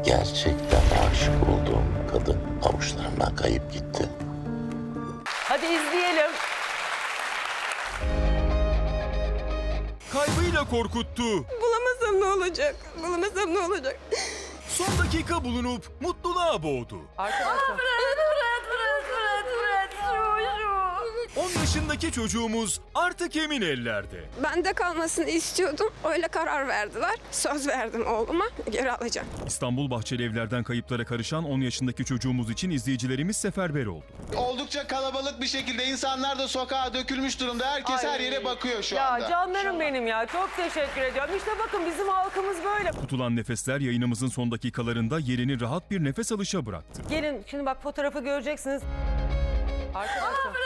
Gerçekten aşık olduğum kadın avuçlarımdan kayıp gitti. Hadi izleyelim. Kaybıyla korkuttu. Bulamasam ne olacak? Bulamasam ne olacak? Son dakika bulunup mutluluğa boğdu. Arkadaşlar. 10 yaşındaki çocuğumuz artık emin ellerde. Bende kalmasını istiyordum. Öyle karar verdiler. Söz verdim oğluma. Geri alacağım. İstanbul Bahçelievler'den kayıplara karışan 10 yaşındaki çocuğumuz için izleyicilerimiz seferber oldu. Oldukça kalabalık bir şekilde insanlar da sokağa dökülmüş durumda. Herkes her yere bakıyor şu anda. Ya canlarım benim ya. Çok teşekkür ediyorum. İşte bakın bizim halkımız böyle. Tutulan nefesler yayınımızın son dakikalarında yerini rahat bir nefes alışa bıraktı. Gelin şimdi bak fotoğrafı göreceksiniz. Arkadaşlar.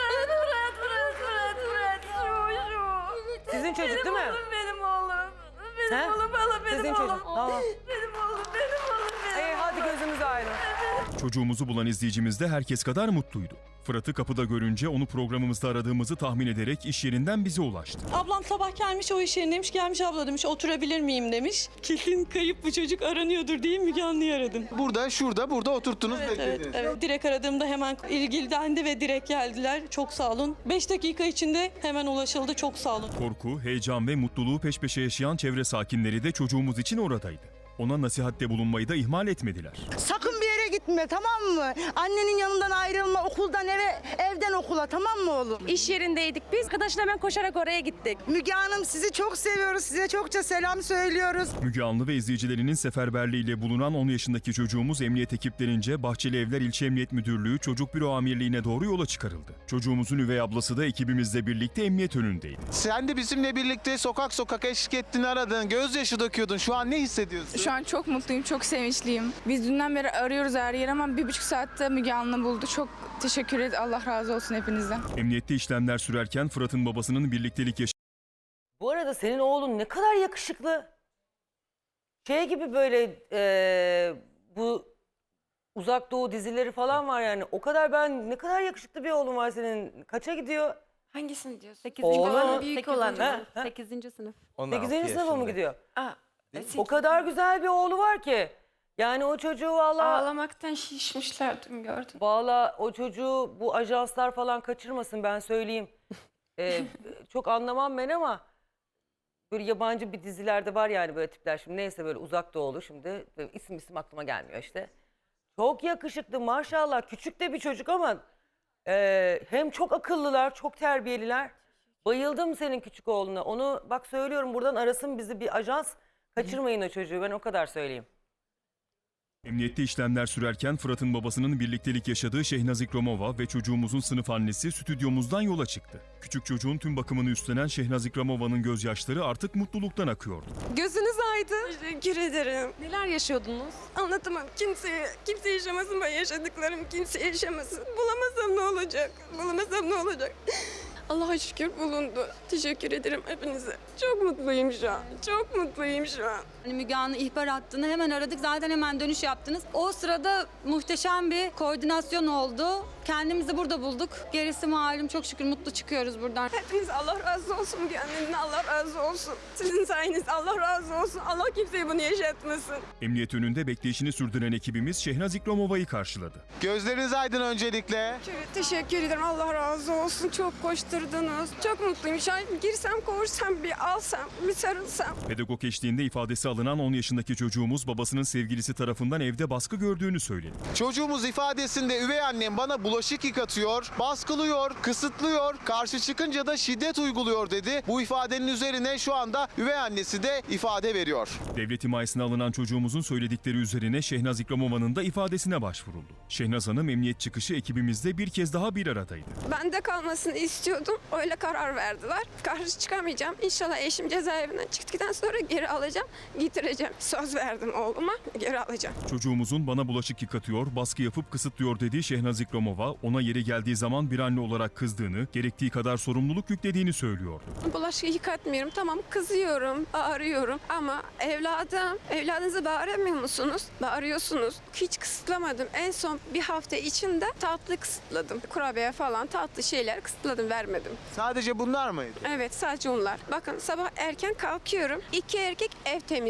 Sizin çocuk değil mi? Benim oğlum. He? Benim oğlum, valla benim Sizin oğlum. çocuk. Tamam. Benim oğlum, benim oğlum, benim Hadi gözümüz aydın. Çocuğumuzu bulan izleyicimiz de herkes kadar mutluydu. Fırat'ı kapıda görünce onu programımızda aradığımızı tahmin ederek iş yerinden bize ulaştı. Ablam sabah gelmiş o iş yerindeymiş. Gelmiş abla demiş oturabilir miyim demiş. Kesin kayıp bu çocuk aranıyordur diye Müge Anlı'yı aradım. Burada, şurada, burada oturttunuz, beklediniz. Evet. Direkt aradığımda hemen ilgilendi ve direkt geldiler. Çok sağ olun. 5 dakika içinde hemen ulaşıldı. Çok sağ olun. Korku, heyecan ve mutluluğu peş peşe yaşayan çevre sakinleri de çocuğumuz için oradaydı. Ona nasihatte bulunmayı da ihmal etmediler. Sakın bir yere gitme, tamam mı? Annenin yanından ayrılma, okuldan eve, evden okula, tamam mı oğlum? İş yerindeydik biz. Arkadaşla hemen koşarak oraya gittik. Müge Hanım, sizi çok seviyoruz, size çokça selam söylüyoruz. Müge Anlı ve izleyicilerinin seferberliğiyle bulunan 10 yaşındaki çocuğumuz emniyet ekiplerince Bahçelievler İlçe Emniyet Müdürlüğü Çocuk Büro Amirliği'ne doğru yola çıkarıldı. Çocuğumuzun üvey ablası da ekibimizle birlikte emniyet önündeydi. Sen de bizimle birlikte sokak sokak eşlik ettin, aradın, gözyaşı döküyordun. Şu an ne hissediyorsun? Şu an çok mutluyum, çok sevinçliyim. Biz dünden beri arıyoruz her yer ama 1,5 saatte Müge Anlı buldu. Çok teşekkür ederim. Allah razı olsun hepinizden. Emniyette işlemler sürerken Fırat'ın babasının birliktelik Bu arada senin oğlun ne kadar yakışıklı. Şey gibi böyle bu Uzak Doğu dizileri falan var yani. O kadar ne kadar yakışıklı bir oğlun var senin. Kaça gidiyor? Hangisini diyorsun? 8. Oğlum. Büyük olan. Ha? 8. sınıf. 8. sınıfa mı gidiyor? Aa, O kadar güzel bir oğlu var ki. Yani o çocuğu valla... Ağlamaktan şişmişler dün gördüm. Valla o çocuğu bu ajanslar falan kaçırmasın ben söyleyeyim. Çok anlamam ben ama böyle yabancı bir dizilerde var yani böyle tipler. Şimdi neyse böyle Uzak Doğulu şimdi isim aklıma gelmiyor işte. Çok yakışıklı maşallah, küçük de bir çocuk ama hem çok akıllılar, çok terbiyeliler. Bayıldım senin küçük oğluna. Onu bak söylüyorum buradan arasın bizi bir ajans. Kaçırmayın o çocuğu, ben o kadar söyleyeyim. Emniyette işlemler sürerken Fırat'ın babasının birliktelik yaşadığı Şehnaz İkramova ve çocuğumuzun sınıf annesi stüdyomuzdan yola çıktı. Küçük çocuğun tüm bakımını üstlenen Şehnaz İkramova'nın gözyaşları artık mutluluktan akıyordu. Gözünüz aydın. Teşekkür ederim. Neler yaşıyordunuz? Anlatamam. Kimse yaşamasın, ben yaşadıklarım kimse yaşamasın. Bulamasam ne olacak? Bulamasam ne olacak? Allah'a şükür bulundu. Teşekkür ederim hepinize. Çok mutluyum şu an. Çok mutluyum şu an. Hani Müge Anlı ihbar attığını hemen aradık. Zaten hemen dönüş yaptınız. O sırada muhteşem bir koordinasyon oldu. Kendimizi burada bulduk. Gerisi malum, çok şükür mutlu çıkıyoruz buradan. Hepiniz Allah razı olsun. Kendinize Allah razı olsun. Sizin sayenizde Allah razı olsun. Allah kimseye bunu yaşatmasın. Emniyet önünde bekleyişini sürdüren ekibimiz Şehnaz İkramova'yı karşıladı. Gözleriniz aydın öncelikle. Teşekkür ederim. Allah razı olsun. Çok koşturdunuz. Çok mutluyum. Şu an girsem, kovursam, bir alsam, bir sarılsam. Pedagog eşliğinde ifadesi alınan 10 yaşındaki çocuğumuz babasının sevgilisi tarafından evde baskı gördüğünü söyledi. Çocuğumuz ifadesinde üvey annem bana bulaşık yıkatıyor, baskılıyor, kısıtlıyor, karşı çıkınca da şiddet uyguluyor dedi. Bu ifadenin üzerine şu anda üvey annesi de ifade veriyor. Devlet himayesine alınan çocuğumuzun söyledikleri üzerine Şehnaz İkramova'nın da ifadesine başvuruldu. Şehnaz Hanım emniyet çıkışı ekibimizle bir kez daha bir aradaydı. Bende kalmasını istiyordum. Öyle karar verdiler. Karşı çıkamayacağım. İnşallah eşim cezaevinden çıktıktan sonra geri alacağım. Getireceğim. Söz verdim oğluma. Geri alacağım. Çocuğumuzun bana bulaşık yıkatıyor, baskı yapıp kısıtlıyor dediği Şehnaz İkramova, ona yeri geldiği zaman bir anne olarak kızdığını, gerektiği kadar sorumluluk yüklediğini söylüyordu. Bulaşık yıkatmıyorum. Tamam kızıyorum, bağırıyorum ama evladınızı bağıramıyor musunuz? Bağırıyorsunuz. Hiç kısıtlamadım. En son bir hafta içinde tatlı kısıtladım. Kurabiye falan tatlı şeyler kısıtladım, vermedim. Sadece bunlar mıydı? Evet, sadece onlar. Bakın sabah erken kalkıyorum. 2 erkek ev temizliyor.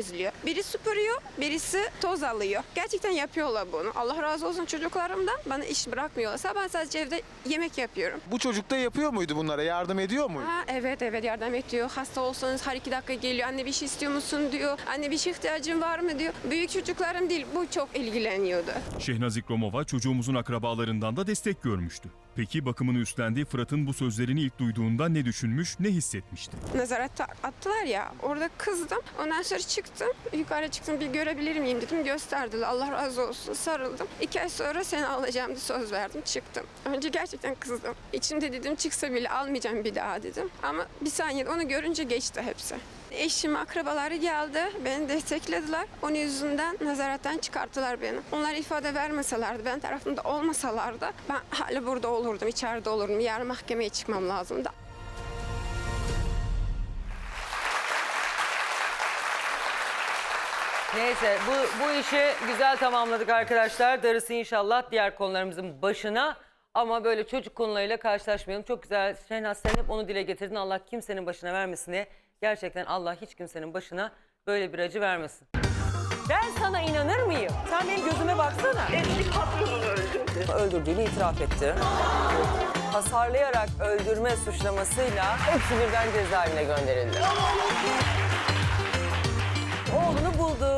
temizliyor. Biri süpürüyor, birisi toz alıyor. Gerçekten yapıyorlar bunu. Allah razı olsun çocuklarımdan. Bana iş bırakmıyorlarsa ben sadece evde yemek yapıyorum. Bu çocuk da yapıyor muydu bunlara? Yardım ediyor muydu? Ha, evet yardım ediyor. Hasta olsanız her 2 dakika geliyor. Anne bir şey istiyor musun diyor. Anne bir şey ihtiyacın var mı diyor. Büyük çocuklarım değil, bu çok ilgileniyordu. Şehnaz İkromova çocuğumuzun akrabalarından da destek görmüştü. Peki bakımını üstlendiği Fırat'ın bu sözlerini ilk duyduğunda ne düşünmüş, ne hissetmişti? Nazarette attılar ya, orada kızdım. Ondan sonra çıktım, yukarı çıktım, bir görebilir miyim dedim. Gösterdiler, Allah razı olsun, sarıldım. 2 ay sonra seni alacağım diye söz verdim, çıktım. Önce gerçekten kızdım. İçimde dedim çıksa bile almayacağım bir daha dedim. Ama bir saniyede onu görünce geçti hepsi. Eşim, akrabaları geldi, beni desteklediler. Onun yüzünden nazaretten çıkarttılar beni. Onlar ifade vermeselerdi, ben tarafımda olmasalardı ben hala burada olurdum, içeride olurdum. Yarın mahkemeye çıkmam lazımdı. Neyse bu işi güzel tamamladık arkadaşlar. Darısı inşallah diğer konularımızın başına. Ama böyle çocuk konularıyla karşılaşmayalım. Çok güzel Şehnaz, sen hep onu dile getirdin. Allah kimsenin başına vermesin diye. Gerçekten Allah hiç kimsenin başına böyle bir acı vermesin. Ben sana inanır mıyım? Sen benim gözüme baksana. Eski patronunu öldürdü. Öldürdüğünü itiraf etti. Hasarlayarak öldürme suçlamasıyla hepsi birden cezaevine gönderildi. Oğlunu buldu.